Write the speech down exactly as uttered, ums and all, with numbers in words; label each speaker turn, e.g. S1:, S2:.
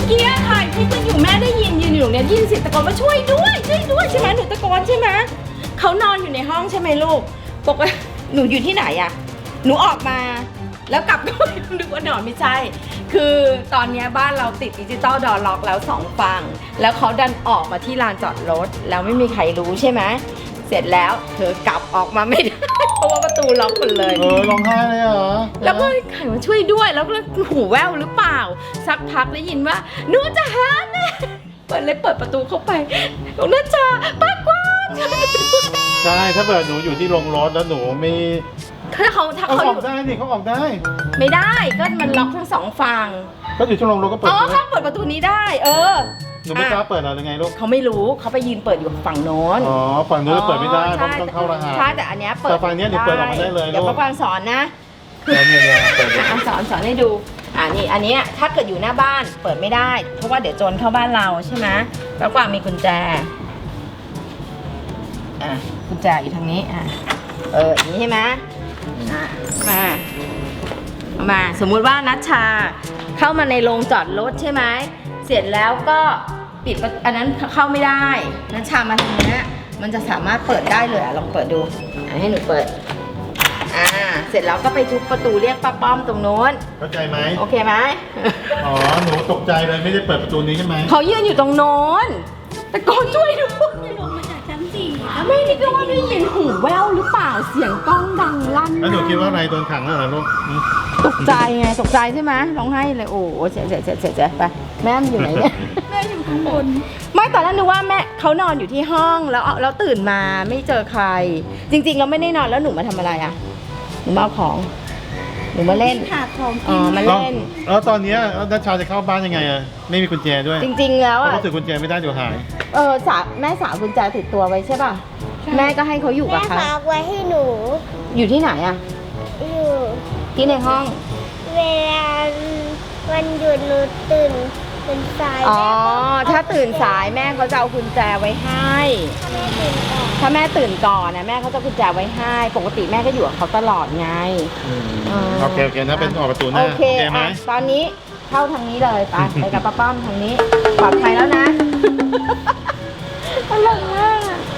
S1: อกี้ถ่ายคลิปกันอยู่แม่ได้ยินยืนอยู่เนี่ยยินเสียงตะโกนว่าช่วยด้วยช่วยด้วยใช่ไหมหนูตะโกนใช่ไหมเขานอนอยู่ในห้องใช่ไหมลูกปกติหนูอยู่ที่ไหนอะหนูออกมาแล้วกลับก็นึกว่านอนไม่ใช่คือตอนนี้บ้านเราติดดิจิตอลดอร์ล็อกแล้วสองฝั่งแล้วเขาดันออกมาที่ลานจอดรถแล้วไม่มีใครรู้ใช่ไหมเสร็จแล้วเธอกลับออกมาไม่ได้เพราะว่าประตูล็อกหมดเลย
S2: เออร้องไห้เลยเหรอ
S1: แล้วก็ใครมาช่วยด้วยแล้วก็หูแว่วหรือเปล่าสักพักได้ยินว่าหนูจะหาแม่เปิดเลยเปิดประตูเข้าไปหนูนัชชาป้ากว้าง
S2: ใช่ถ้าเกิดหนูอยู่ที่โรงรถแล้วหนูไม่
S1: ถ้าเขาถ้า
S2: เขา
S1: เขา
S2: อ
S1: อ
S2: อก
S1: ยู่
S2: ได้นี่เขาออกได้
S1: ไม่ได้ก็มันล็อกทั้งสองฝั่ง
S2: ก็อยู่ที่โรงรถก็เปิด
S1: อ๋อ
S2: ได้
S1: เขาเปิดประตูนี้ได้ เออ
S2: หนูไม่กล้าเปิดเหรอหรือไงลูก
S1: เขาไม่รู้เขาไปยืนเปิดอยู่ฝั่งโน้น
S2: อ๋อฝั่งนู้นเปิดไม่ได้เพราะ
S1: ใช่
S2: ต้องเข้ารหัส
S1: ใช่แต่อันเนี้ยเปิด
S2: แต่ฝั่งเนี้ยหนูเปิดออกมาได้เลย
S1: เดี๋ยว
S2: ลูก
S1: ป้ากวางสอนนะ
S2: แล้วเนี่ยเนี่ยเปิดเลย
S1: อ่ะสอนสอนให้ดูอ่านี่อันเนี้ยถ้าเกิดอยู่หน้าบ้านเปิดไม่ได้ เพราะว่าเดี๋ยวโจรเข้าบ้านเราใช่ไหมป้ากวางมีกุญแจอ่ะกุญแจอยู่ทางนี้อ่ะเอออย่างนี้ใช่ไหมอ่ะมาเอามาสมมุติว่านัชชาเข้ามาในโรงจอดรถใช่ไหมเสร็จแล้วก็ปิดประอันนั้นเข้าไม่ได้นัชชามาทางเนี้ยมันจะสามารถเปิดได้เลยอ่ะลองเปิดดูอ่ะให้หนูเปิดอ่าเสร็จแล้วก็ไปทุบประตูเรียกป้าป้อมตรงโน้น
S2: เข้าใจไหม
S1: โอเคไหม
S2: อ๋อหนูตกใจเลยไม่ได้เปิดประตูนี้ใช่ไหม
S1: เขายืนอยู่ตรงโน้นตะโกนช่วยด้วย
S3: ลงมาจากชั้นสี่
S1: ไม่นี่ก็ว่าได้ยินหูแว่วหรือเปล่าเสียงกล้องดังลั่น
S2: แล้วหนูคิดว่าอะไรโดนขังแล้วเหรอลูกอืม
S1: ตกใจไงตกใจใช่ไหมร้องไห้เลยโอ้โหเจ๊เจ๊เจ๊เจ๊เจ๊ไปแม่มันอยู่ไหนเนี่ย
S3: แม่อยู่ข้างบน
S1: ไม่ตอนแรกนึกว่าแม่เขานอนอยู่ที่ห้องแล้วแล้วตื่นมาไม่เจอใคร จริงๆเราไม่ได้นอนแล้วหนูมาทำอะไรอ่ะหนูมาเอาของหนูมาเล่น
S3: ขาดของ
S1: อ๋
S3: กิ
S1: อน มา
S2: แล้ว
S1: เล่น
S2: แล้วตอนเนี้ยนัชชาจะเข้าบ้านยังไงอะไม่มีกุญแจด้วย
S1: จริง ๆ แล้ว
S2: เพราะ
S1: อ่ะ
S2: เขาถือกุญแจไม่ได้เดี๋ยวหาย
S1: เออสาวแม่สาวกุญแจติดตัวไว้ใช่ป่ะแม่ก็ให้เขาอยู่
S4: แม่
S1: กับเขา
S4: ฝากไว้ให้หนู
S1: อยู่ที่ไหนอ่ะ
S4: อยู่
S1: ที่ในห้อง
S4: เวลาวันหยุดหนูตื่นตื่นสาย
S1: อ๋อ
S4: แม่ก็
S1: ถ้าตื่นสายแม่เขาจะเอากุญแจไว้ให้
S4: ถ้าแม่ตื่นก่อน
S1: ถ้าแม่ตื่นก่อนนะแม่เขาจะกุญแจไว้ให้ ปกติแม่ก็อยู่กับเขาตลอดไง อ่า
S2: โอเคโอเคนะเป็นออกประตูหน้า
S1: โอเค
S2: ไหม
S1: อ่ะตอนนี้เข้าทางนี้เลยไป ไปกับป้าป้อมทางนี้ ปลอดภัยแล้วนะตลกมาก